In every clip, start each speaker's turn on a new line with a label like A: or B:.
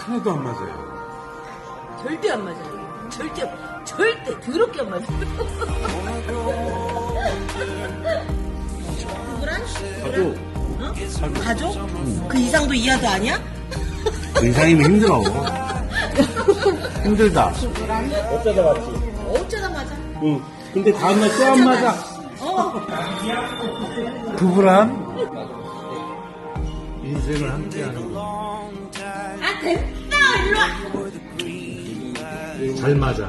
A: 하나도 안 맞아요.
B: 절대 안 맞아요. 절대 더럽게 안 맞아요. 누구랑?
A: 가족.
B: 가족? 그 이상도 이하도 아니야?
A: 그 이상이면 힘들어. 힘들다.
C: 어쩌다 맞지?
B: 어쩌다 맞아.
A: 응. 근데 다음날 또 안 맞아. 부부란 인생을 함께하는 거.
B: 아 됐다 일로 와.
A: 잘 맞아.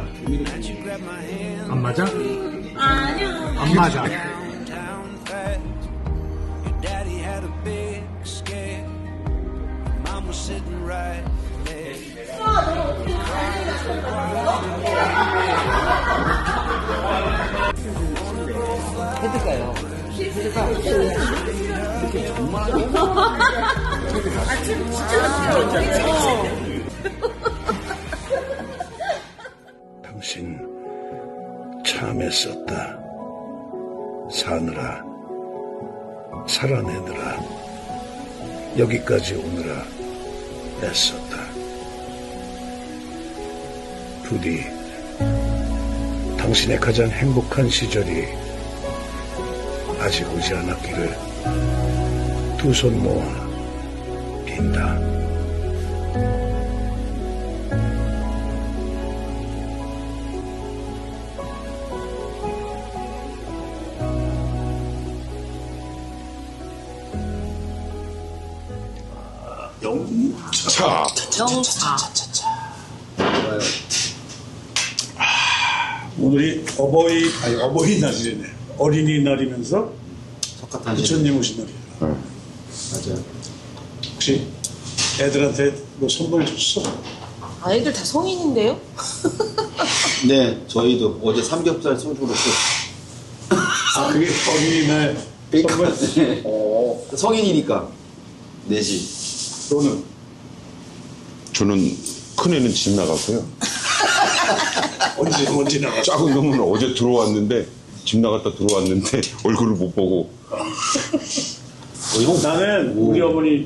A: 안 맞아?
B: 아니야.
A: 안 맞아.
C: 해드까요?
B: 아침 진짜
D: 당신 참 애썼다. 사느라, 살아내느라, 여기까지 오느라 애썼다. 부디 당신의 가장 행복한 시절이 아직 오지 않았기를 두 손 모아 빈다.
E: 영차.
B: 영차.
E: 오늘이 어버이날이네. 어린이날이면서 부처님 오신 날이야.
C: 맞아요.
E: 혹시 애들한테 뭐 선물 줬어?
B: 아이들 다 성인인데요?
C: 네, 저희도 어제 삼겹살 소주로
E: 아, 그게 어린이날 선물?
C: 네. 성인이니까 내지.
E: 너는?
F: 저는 큰애는 집 나갔고요.
E: 언제 나갔어?
F: 작은 놈은 어제 들어왔는데 집 나갔다 들어왔는데 얼굴을 못 보고.
E: 나는 우리 어머니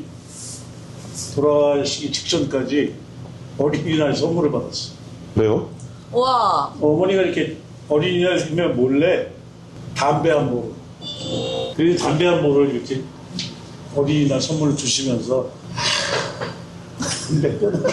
E: 돌아가시기 직전까지 어린이날 선물을 받았어.
F: 왜요?
B: 와.
E: 어머니가 이렇게 어린이날 되면 몰래 담배 한 모를. 그 담배 한 모를 이렇게 어린이날 선물을 주시면서 담배 끊어.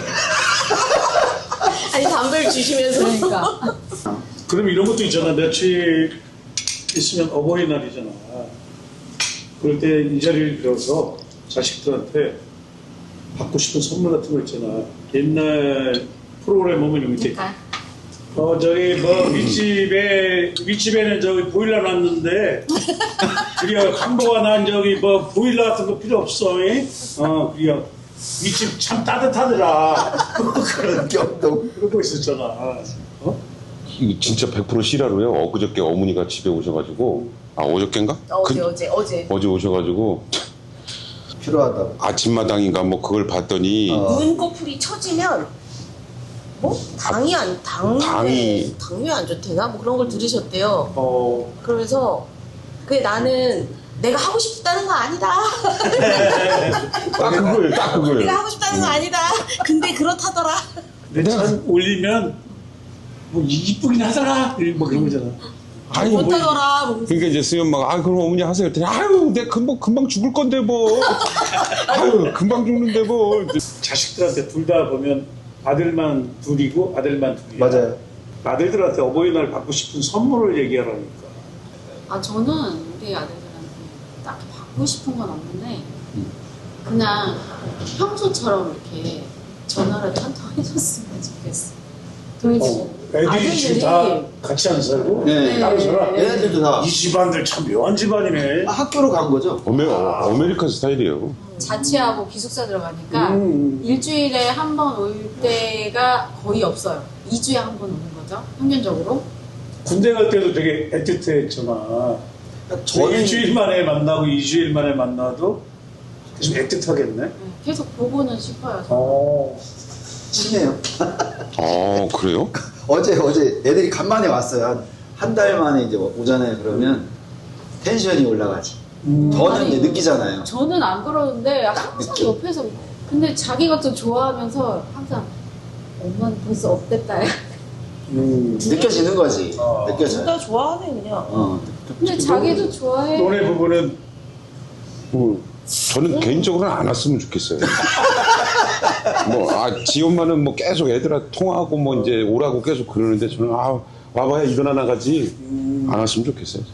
B: 아니 담배를 주시면서 그러니까.
E: 그럼 이런 것도 있잖아. 며칠 있으면 어버이날이잖아. 그럴 때 이 자리를 빌어서 자식들한테 받고 싶은 선물 같은 거 있잖아. 옛날 프로그램 보면 여기 밑에 저기 뭐 윗집에는 저기 보일러 놨는데 그리고 강도가 난 저기 뭐 보일러 같은 거 필요 없어. 그리고 윗집 참 따뜻하더라. 그런
C: 격동.
E: 그런 거 있었잖아.
F: 이거 진짜 100% 실화로요. 엊그저께 어머니가 집에 오셔가지고, 어저께인가?
B: 어제.
F: 어제 오셔가지고
C: 필요하다고.
F: 아침마당인가 뭐 그걸 봤더니
B: 눈꺼풀이 처지면 뭐 당이 안 좋대나 뭐 그런 걸 들으셨대요. 그러면서 그게 나는 내가 하고 싶다는 거 아니다.
F: 딱 그거예요. 딱 그거예요.
B: 내가 하고 싶다는 거 아니다. 근데 그렇다더라.
E: 근데 참 올리면 뭐 이쁘긴 하더라. 뭐 그런 거잖아.
F: 아니, 뭐,
B: 못하더라.
F: 그러니까 이제 수희 엄마가 그럼 어머니 하세요. 그랬더니 아유 내가 금방 죽을 건데 뭐. 아유 금방 죽는데 뭐.
E: 자식들한테 둘 다 보면 아들만 둘이고 아들만 둘이야.
C: 맞아요.
E: 아들들한테 어버이날 받고 싶은 선물을 얘기하라니까.
G: 아, 저는 우리 아들들한테 딱히 받고 싶은 건 없는데, 그냥 평소처럼 이렇게 전화를 한통 해줬으면 좋겠어.
E: 애들이 지금 다 같이 안 살고
C: 네.
E: 따로 살아.
C: 얘네들도 다
E: 이 집안들 참 묘한 집안이네.
C: 학교로 간 거죠.
F: 아메리칸 스타일이에요.
G: 자취하고 기숙사 들어가니까 일주일에 한 번 올 때가 거의 없어요. 2주에 한 번 오는 거죠, 평균적으로.
E: 군대 갈 때도 되게 애틋했잖아.
C: 저는
E: 일주일 만에 만나고 2주일 만에 만나도 좀 애틋하겠네.
G: 네, 계속 보고는 싶어요. 저는.
C: 친해요.
F: 그래요?
C: 어제 애들이 간만에 왔어요. 한 달 만에 이제 오잖아요. 그러면 텐션이 올라가지. 저는
G: 아니,
C: 이제 느끼잖아요.
G: 저는 안 그러는데 항상 옆에서 근데 자기가 또 좋아하면서 항상 엄마는 벌써 업됐다.
C: 느껴지는 거지. 느껴져요.
B: 진짜 좋아하네 그냥.
G: 근데 자기도 좋아해.
E: 너네 부부는
F: 저는 개인적으로는 안 왔으면 좋겠어요. 지 엄마는 뭐 계속 애들한테 통화하고 뭐 이제 오라고 계속 그러는데 저는 와봐야 일어나 나가지 안 왔으면 좋겠어요.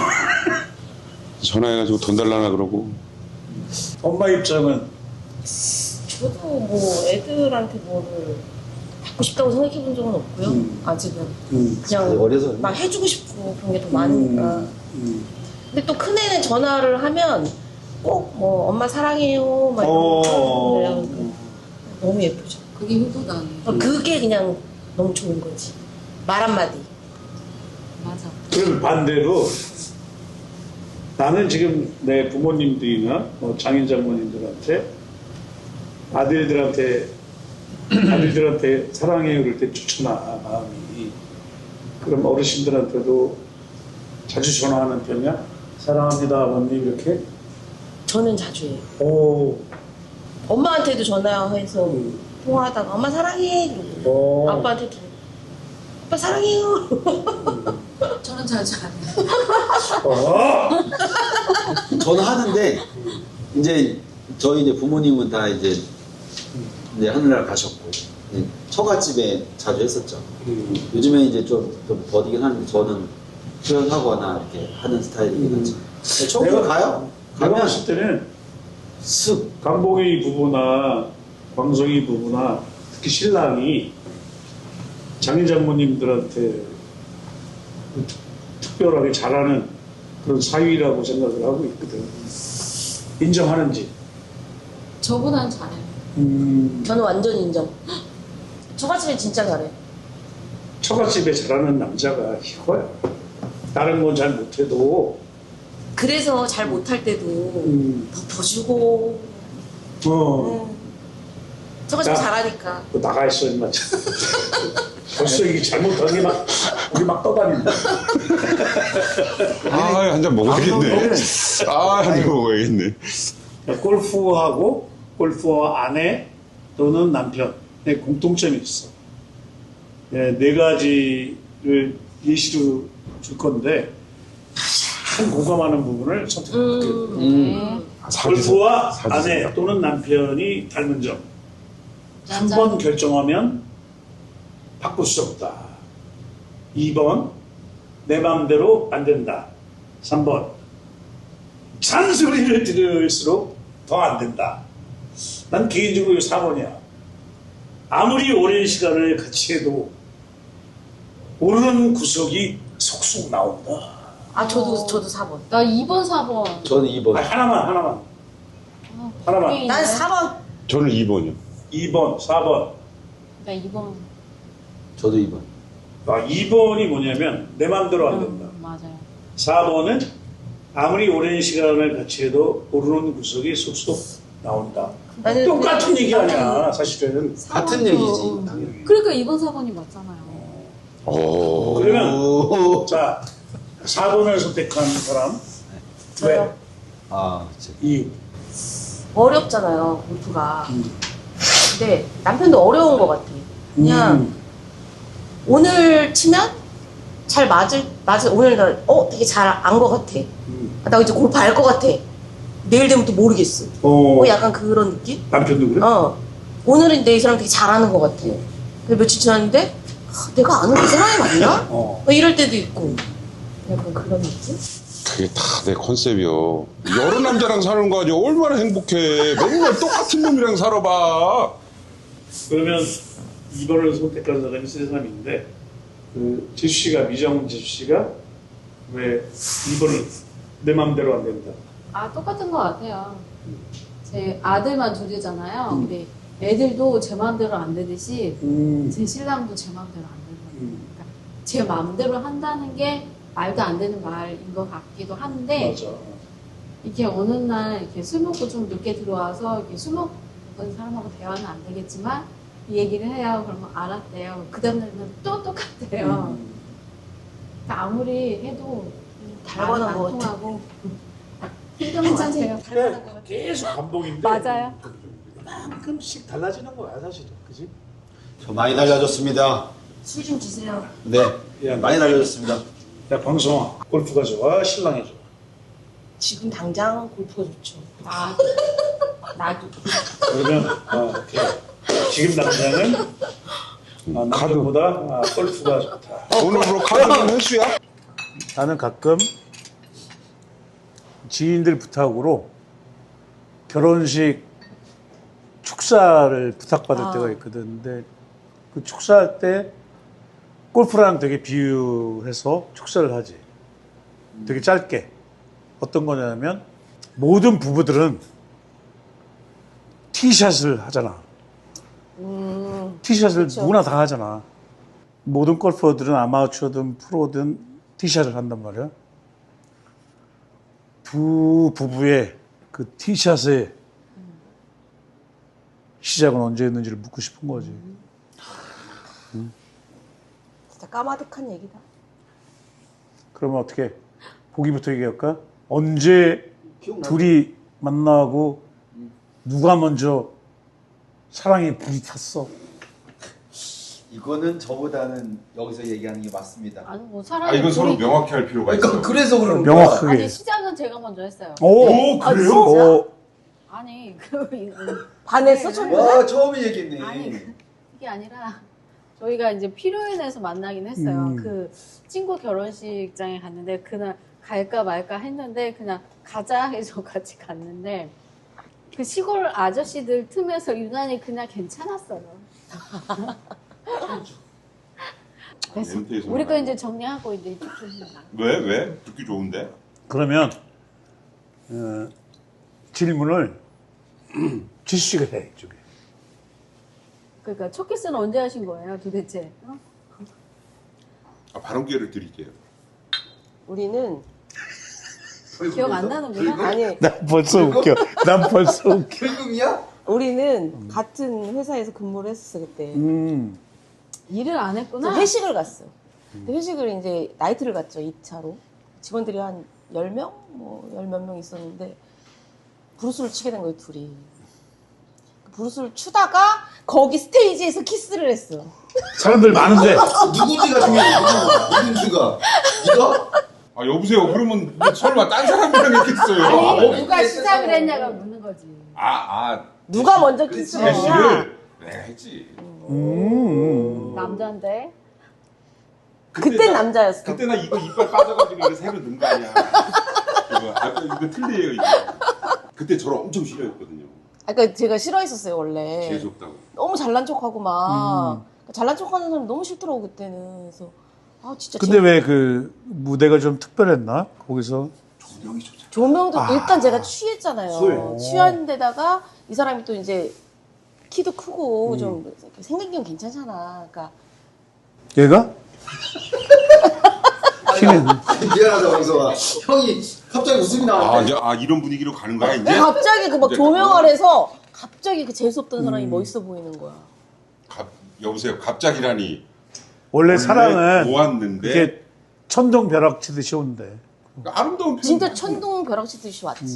F: 전화해가지고 돈 달라나 그러고.
E: 엄마 입장은
B: 저도 뭐 애들한테 뭐를 받고 싶다고 생각해 본 적은 없고요. 아직은
C: 아직
B: 그냥
C: 어려서
B: 막 해주고 싶고 그런 게 더 많으니까. 근데 또 큰애는 전화를 하면 꼭 뭐 엄마 사랑해요 막 이런 거 너무 예쁘죠.
G: 그게 효도다네.
B: 그게 그냥 너무 좋은 거지. 말 한마디.
G: 맞아.
E: 그럼 반대로 나는 지금 내 부모님들이나 뭐 장인 장모님들한테 아들들한테 사랑해요 그럴 때 좋잖아 마음이. 그럼 어르신들한테도 자주 전화하는 편이야? 사랑합니다 아버님 이렇게?
B: 저는 자주 해요.
E: 오.
B: 엄마한테도 전화해서 통화하다가 엄마 사랑해 이러고 아빠한테도 아빠 사랑해요.
G: 저는 자주 안 해요.
C: 저는 하는데 이제 저희 이제 부모님은 다 이제 하늘나라 가셨고 이제 처갓집에 자주 했었죠. 요즘에 이제 좀 버디긴 하는데 저는 표현하거나 이렇게 하는 스타일이긴 하지. 처음으로 가요.
E: 내가
C: 가면
E: 봤을 때는
C: 쓱
E: 강봉이 부부나 광성이 부부나 특히 신랑이 장인 장모님들한테 특별하게 잘하는 그런 사위라고 생각을 하고 있거든. 인정하는지.
G: 저보다는 잘해요.
B: 저는 완전 인정. 처갓집에 진짜 잘해.
E: 처갓집에 잘하는 남자가 이거야. 다른 건 잘 못해도
B: 그래서 잘 못할 때도 더 봐주고. 처갓집
E: 야.
B: 잘하니까.
E: 너 나가 있어 임마. 벌써 이게 잘못한 게 막 우리 막 떠다닌다.
F: 한 잔 먹어야겠네. 한 잔 먹어야겠네.
E: 골프하고 골프와 아내 또는 남편의 공통점이 있어. 네 가지를 예시로 줄 건데 가장 공감하는 부분을 선택할게요. 골프와 아내 또는 남편이 닮은 점. 한 번 결정하면 바꿀 수 없다. 2번 내 마음대로 안 된다. 3번 잔소리를 들을수록 더 안 된다. 난 개인적으로 4번이야. 아무리 오랜 시간을 같이 해도 모르는 구석이 속속 나온다.
B: 저도 4번.
G: 나 2번, 4번.
C: 저는 2번.
E: 하나만.
B: 난 4번.
F: 저는 2번이요.
E: 2번, 4번.
G: 나 2번.
C: 저도 2번.
E: 2번이 뭐냐면 내 마음대로 안 된다.
G: 맞아요.
E: 4번은 아무리 오랜 시간을 같이 해도 모르는 구석이 쏙쏙 나온다.
B: 나는
E: 똑같은 얘기 아니야 사실은.
C: 같은 얘기지. 당연히.
G: 그러니까 2번, 4번이 맞잖아요.
E: 그러면 자 4번을 선택한 사람 왜?
C: 그치.
E: 이유.
B: 어렵잖아요, 골프가. 근데 남편도 어려운 것 같아. 그냥 오늘 치면 잘 맞을 오늘 되게 잘 안 것 같아. 나 이제 골프 알 것 같아. 내일 되면 또 모르겠어. 약간 그런 느낌?
E: 남편도 그래?
B: 오늘은 내 이 사람 되게 잘하는 것 같아. 근데 며칠 지났는데 내가 아는 그 사람이 맞나? 이럴 때도 있고. 약간 그런 느낌?
F: 그게 다 내 컨셉이요. 여러 남자랑 사는 거 아니야. 얼마나 행복해. 맨날 똑같은 놈이랑 살아봐.
E: 그러면 2번을 선택한 사람이 세 사람인데 지수 씨가 미정 지수 씨가 왜 2번을 내 맘대로 안 된다.
G: 똑같은 것 같아요. 제 아들만 둘이잖아요. 근데 애들도 제 마음대로 안 되듯이 제 신랑도 제 마음대로 안 되거든요. 그러니까 제 마음대로 한다는 게 말도 안 되는 말인 것 같기도 한데
E: 맞아.
G: 이렇게 어느 날 이렇게 술 먹고 좀 늦게 들어와서 이렇게 술 먹은 사람하고 대화는 안 되겠지만 이 얘기를 해요. 그러면 알았대요. 그 다음날은 또 똑같대요. 그러니까 아무리 해도
B: 닮아는
G: 안
B: 것
G: 통하고 힘든 것 같아요.
E: 계속 감동인데
G: 맞아요.
A: 이만큼씩 달라지는 거야 사실은, 그지?
C: 저 많이 달라졌습니다.
B: 술 좀 주세요.
C: 네,
E: 야,
C: 많이 달라졌습니다.
E: 야 방송아, 골프가 좋아, 신랑이 좋아.
B: 지금 당장 골프가 좋죠. 나도.
E: 그러면 오케이. 지금 당장은 남편보다 골프가 좋다.
F: 오늘부로 카드는 횟수야?
A: 나는 가끔 지인들 부탁으로 결혼식 축사를 부탁받을 때가 있거든. 근데 그 축사할 때 골프랑 되게 비유해서 축사를 하지. 되게 짧게. 어떤 거냐면 모든 부부들은 티샷을 하잖아. 티샷을 누구나 다 하잖아. 모든 골퍼들은 아마추어든 프로든 티샷을 한단 말이야. 두 부부의 그 티샷의 시작은 언제였는지를 묻고 싶은 거지.
B: 진짜 까마득한 얘기다.
A: 그러면 어떻게 보기부터 얘기할까? 언제 둘이 만나고 누가 먼저 사랑에 불이 탔어?
C: 이거는 저보다는 여기서 얘기하는 게 맞습니다.
G: 아니 뭐
F: 아,
G: 사람이
F: 이건 서로 명확히 할 필요가 있어.
C: 그래서 그런 거야.
A: 명확하게.
G: 아니 시작은 제가 먼저 했어요.
A: 오,
G: 아,
A: 그래요?
G: 진짜?
A: 오,
G: 아니 그
B: 반했어, 첫째?
C: 와, 처음에 얘기했네.
G: 아니 이게 아니라 저희가 이제 필요해서 만나긴 했어요. 그 친구 결혼식장에 갔는데 그날 갈까 말까 했는데 그냥 가자 해서 같이 갔는데 그 시골 아저씨들 틈에서 유난히 그냥 괜찮았어요. 그래서
F: 멘트에서
G: 우리 거
F: 말하는
G: 이제 정리하고 이제 이쪽 좀 해봐.
F: 왜? 듣기 좋은데?
A: 그러면 질문을 지수씨가 해, 이쪽에.
G: 그러니까 첫 키스는 언제 하신 거예요, 도대체? 어?
F: 아, 발언 기회를 드릴게요.
B: 우리는
G: 기억 안 나는구나.
B: 아니
A: 난 벌써 웃겨. 난 벌써 웃겨.
C: 결국이야?
B: 우리는 같은 회사에서 근무를 했었어 그때.
G: 일을 안 했구나.
B: 회식을 갔어. 근데 회식을 이제 나이트를 갔죠 2차로. 직원들이 한 10명? 뭐 10몇 명 있었는데 브루스를 치게 된 거예요 둘이. 브루스를 추다가 거기 스테이지에서 키스를 했어.
A: 사람들 많은데.
C: 누군지가 중요해. 누군지가. 이거?
F: 아, 여보세요. 그러면 뭐 설마 딴 사람이랑 했겠어요.
G: 아니, 누가 시작을 했냐가 묻는 거지.
B: 누가 먼저 키스를 했냐?
F: 대시를 네, 했지.
G: 남자인데.
B: 그땐 남자였어.
F: 그때 나 이거 이빨 빠져가지고 이거 새로 넣은 거 아니야. 이거 틀려요, 이거. 그때 저를 엄청 싫어했거든요.
B: 그러니까 제가 싫어했었어요 원래.
F: 재수없다고.
B: 너무 잘난 척하고 막 잘난 척하는 사람 너무 싫더라고 그때는. 그래서 진짜.
A: 근데 왜 그 무대가 좀 특별했나? 거기서
B: 조명도 일단 제가 취했잖아요.
A: 술.
B: 취한 데다가 이 사람이 또 이제 키도 크고 좀 생긴 괜찮잖아. 그러니까
A: 얘가? 키는
C: 미안하다, 방송아. 형이 갑자기 웃음이 나왔네.
F: 이런 분위기로 가는 거야, 이제?
B: 갑자기 그 막
F: 이제
B: 조명
F: 그거?
B: 아래서 갑자기 그 재수없던 사람이 멋있어 보이는 거야.
F: 여보세요. 갑자기라니.
A: 원래 사랑은
F: 모았는데.
A: 이게 천둥 벼락 치듯이 온대.
F: 아름다운 표현.
B: 진짜 천둥 벼락 치듯이 왔지.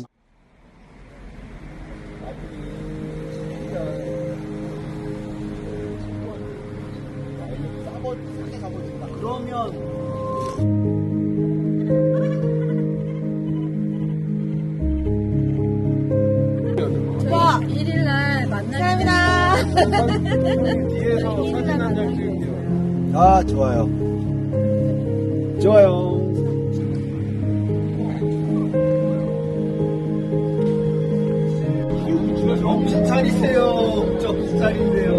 B: 와,
G: 1일날 만나게
C: 아, 좋아요. 좋아요. 저 비쌀이세요. 저 비쌀인데요.